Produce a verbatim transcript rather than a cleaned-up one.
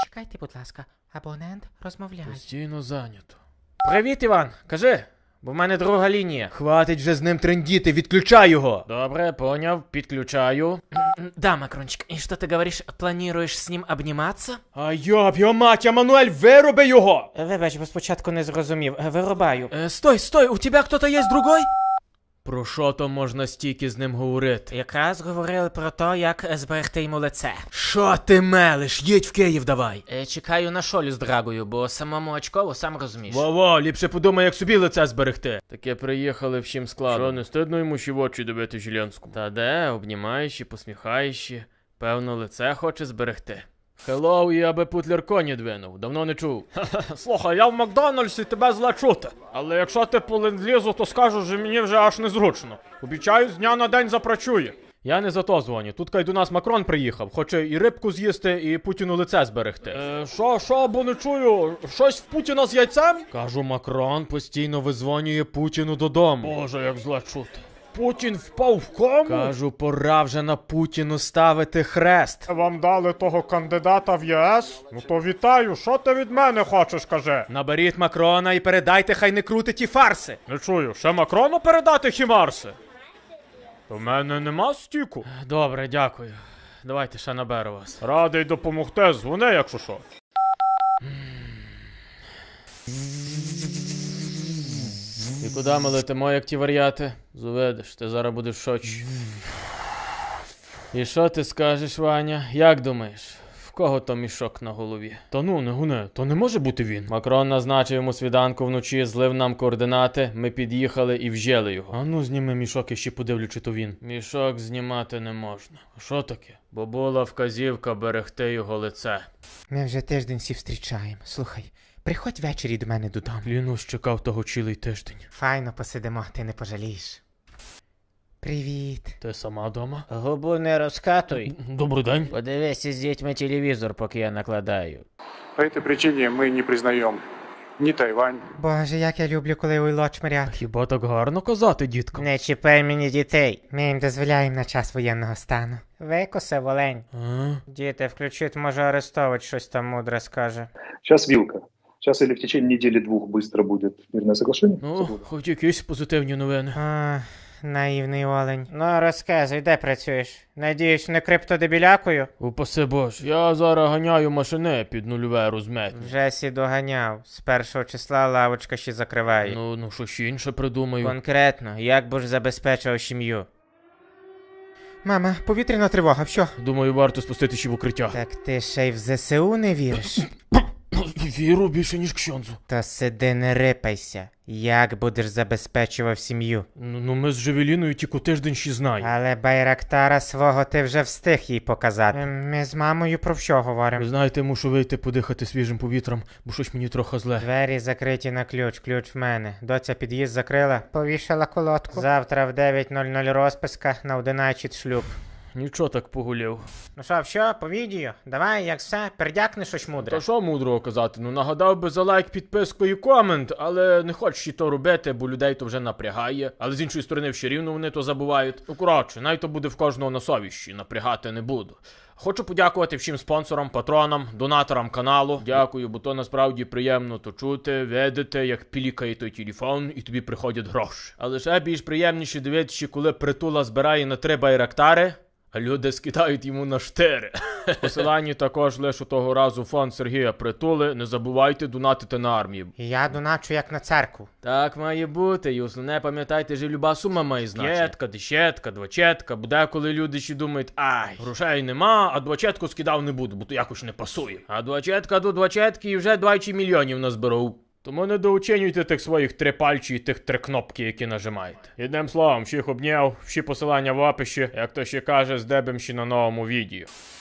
Чекайте, будь ласка, абонент розмовляє. Постійно зайнято. Привіт, Іван, кажи, бо в мене друга лінія. Хватить вже з ним трендіти, відключай його. Добре, поняв, підключаю. Да, Макрончик, и что ты говоришь, планируешь с ним обниматься? А йоб, його мать, Еммануель, вироби його! Вибач, бо спочатку не зрозумів. Вирубаю. Е, стой, стой, у тебе хто-то є другой? Про що то можна стільки з ним говорити? Якраз говорили про те, як зберегти йому лице. Що ти мелиш? Їдь в Київ давай. Е, чекаю на шолю з драгою, бо самому очково, сам розумієш. Во-во, ліпше подумай, як собі лице зберегти. Таке приїхали всім складом. Що, не стидно йому ще в очі дивити Жилянському? Та де, обнімаючи, посміхаючи, певно, лице хоче зберегти. Хеллоу, я би путлер коні двинув, давно не чув. Слухай, я в Макдональдсі, тебе зле чути. Але якщо ти по ленд-лізу, то скажу, що мені вже аж незручно. Обіцяю, з дня на день запрацює. Я не за то дзвоню. Тут кай до нас Макрон приїхав. Хоче і рибку з'їсти, і Путіну лице зберегти. Е, що, що, бо не чую? Щось в Путіна з яйцем? Кажу, Макрон постійно визвонює Путіну додому. Боже, як зле чути. Путін впав в кому? Кажу, пора вже на Путіну ставити хрест. Вам дали того кандидата в ЄС? Ну то вітаю, що ти від мене хочеш, каже? Наберіть Макрона і передайте, хай не крутить ті фарси. Не чую, ще Макрону передати хімарси? У мене нема стіку. Добре, дякую. Давайте ще наберу вас. Радий допомогти, дзвони, якщо що. І куди ми летимо, як ті варіати? Зуведеш, ти зараз будеш в шоці. І що ти скажеш, Ваня? Як думаєш? В кого то мішок на голові? Та ну, не гуне, то не може бути він. Макрон назначив йому свіданку вночі, злив нам координати, ми під'їхали і вжели його. А ну зніми мішок і ще подивлю, чи то він. Мішок знімати не можна. А що таке? Бо була вказівка берегти його лице. Ми вже тиждень всі зустрічаємо. Слухай, приходь ввечері до мене додому. Клянусь, чекав того цілий тиждень. Файно посидимо, ти не пожалієш. Привіт. Ти сама дома? Губу не розкатуй. Добрий день. Подивися з дітьми телевізор, поки я накладаю. По этой причине мы не признаем ни Тайвань. Боже, як я люблю, коли уйло чмирять. Хіба так гарно казати, дітка? Не чіпай мені дітей. Ми їм дозволяємо на час воєнного стану. Викоси, волень. А? Діти, включить, може Арестович щось там мудре скаже. Сейчас вилка. Сейчас или в течение недели-двух быстро будет мирное соглашение. Ну, хоч якісь позитивні новини. А, наївний олень. Ну, розказуй, де працюєш? Надіюсь, не криптодебілякою? Упаси Боже, я зараз ганяю машини під нульове розметні. Вже сі доганяв. З першого числа лавочка ще закриває. Ну, ну, що ще інше придумаю. Конкретно, як би ж забезпечив сім'ю? Мама, повітряна тривога, що? Думаю, варто спустити ще в укриття. Так ти ще й в ЗСУ не віриш? Віру більше, ніж ксьонзу. То сиди не рипайся. Як будеш забезпечував сім'ю? Ну, ну ми з Жевеліною тільки тиждень ще знаємо. Але Байрактара свого ти вже встиг їй показати. Ем, Ми з мамою про що говоримо? Ви знаєте, мушу вийти подихати свіжим повітрям, бо щось мені трохи зле. Двері закриті на ключ, ключ в мене. Доця під'їзд закрила, повішала колодку. Завтра в дев'ять нуль нуль розписка, на одинадцять шлюб. Нічого так погуляв. Ну що, що, по відео? Давай, як все, передякни щось мудре. Та що мудрого казати? Ну нагадав би за лайк, підписку і комент, але не хочу ще то робити, бо людей то вже напрягає. Але з іншої сторони, все рівно вони то забувають. Ну коротше, навіть то буде в кожного на совіщі, напрягати не буду. Хочу подякувати всім спонсорам, патронам, донаторам каналу. Дякую, бо то насправді приємно то чути, видати, як пілікає той телефон і тобі приходять гроші. Але ще більш приємніше дивитися, коли Притула збирає на три байрактари, а люди скидають йому на штири. Посилання також лише того разу фонд Сергія Притули. Не забувайте донатити на армію. Я доначу як на церкву. Так має бути, і основне пам'ятайте, що люба сума має значення. П'ятка, десятка, двадцятка, буде коли люди ще думають, ай, грошей нема, а двадцятку скидав не буду, бо то якось не пасує. А двадцятка до двадцятки і вже двадцять мільйонів назберу. Тому не дооцінюйте тих своїх три пальчі і тих три кнопки, які нажимаєте. Єдним словом, всіх обняв, всі посилання в описі, як то ще каже, здебем ще на новому відео.